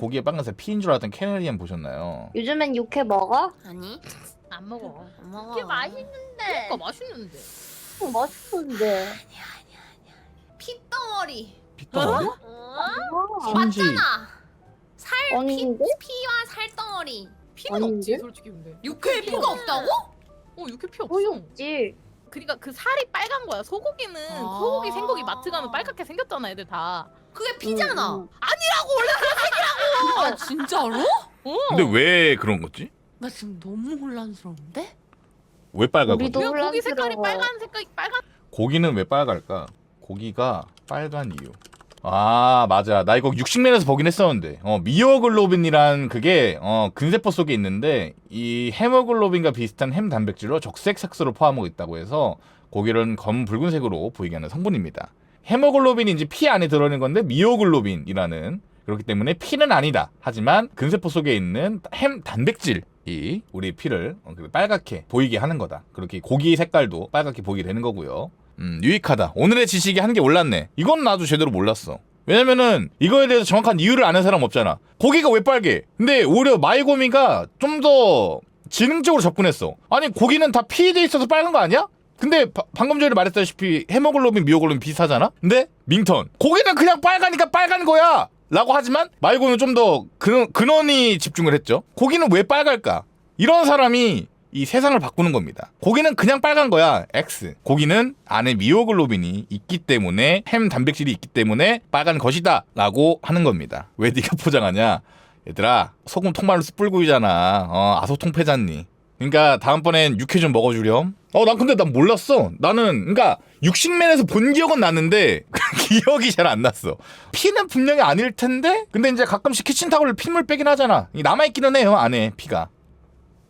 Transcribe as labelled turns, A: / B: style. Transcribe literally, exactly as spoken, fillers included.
A: 고기에 빨간색 피인 줄 알았던 캐네리안 보셨나요?
B: 요즘엔 육회 먹어?
C: 아니
D: 안 먹어.
C: 안 먹어.
D: 이게 맛있는데. 그러니까 맛있는데.
B: 어, 맛있는데.
C: 핏덩어리.
A: 피덩어리?
D: 어?
B: 아,
A: 선지.
C: 맞잖아. 살 피,
B: 아닌데?
C: 피와 살덩어리.
D: 피는
B: 아닌데?
D: 없지 솔직히 근데.
C: 육회에 피가 없다고?
D: 어 육회 피 없어.
B: 거의 없지.
D: 그러니까 그 살이 빨간 거야. 소고기는
C: 아.
D: 소고기 생고기 마트 가면 빨갛게 생겼잖아 애들 다.
C: 그게 피잖아.
B: 응, 응.
C: 아 진짜로?
D: 어.
A: 근데 왜 그런 거지?
C: 나 지금 너무 혼란스러운데?
A: 왜 빨갛거든?
B: 우리도
D: 그냥 고기 색깔이
B: 혼란스러워.
D: 빨간 색깔이 빨간.
A: 고기는 왜 빨갈까? 고기가 빨간 이유. 아 맞아, 나 이거 육식맨에서 보긴 했었는데 어 미오글로빈이란 그게 어 근세포 속에 있는데 이 헤모글로빈과 비슷한 햄 단백질로 적색 색소를 포함하고 있다고 해서 고기는 검 붉은색으로 보이게 하는 성분입니다. 헤모글로빈이 이제 피 안에 들어있는 건데 미오글로빈이라는, 그렇기 때문에 피는 아니다. 하지만 근세포 속에 있는 햄 단백질이 우리 피를 빨갛게 보이게 하는 거다. 그렇게 고기 색깔도 빨갛게 보이게 되는 거고요. 음, 유익하다. 오늘의 지식이 한 개 올랐네. 이건 나도 제대로 몰랐어. 왜냐면은 이거에 대해서 정확한 이유를 아는 사람 없잖아. 고기가 왜 빨개? 근데 오히려 마이고미가 좀 더 지능적으로 접근했어. 아니 고기는 다 피에 있어서 빨간 거 아니야? 근데 바, 방금 전에 말했다시피 헤모글로빈, 미오글로빈 비슷하잖아? 근데 밍턴 고기는 그냥 빨가니까 빨간 거야! 라고 하지만 마이고미는 좀 더 근원, 근원이 집중을 했죠. 고기는 왜 빨갈까? 이런 사람이 이 세상을 바꾸는 겁니다. 고기는 그냥 빨간 거야. X. 고기는 안에 미오글로빈이 있기 때문에, 햄 단백질이 있기 때문에 빨간 것이다 라고 하는 겁니다. 왜 네가 포장하냐? 얘들아 소금 통말로 숯불구이잖아. 어 아소통패잖니. 그러니까 다음번엔 육회 좀 먹어주렴. 어 난 근데 난 몰랐어. 나는 그러니까 육식맨에서 본 기억은 났는데 기억이 잘 안 났어. 피는 분명히 아닐 텐데 근데 이제 가끔씩 키친타올로 핏물 빼긴 하잖아. 남아있기는 해요 안에 피가.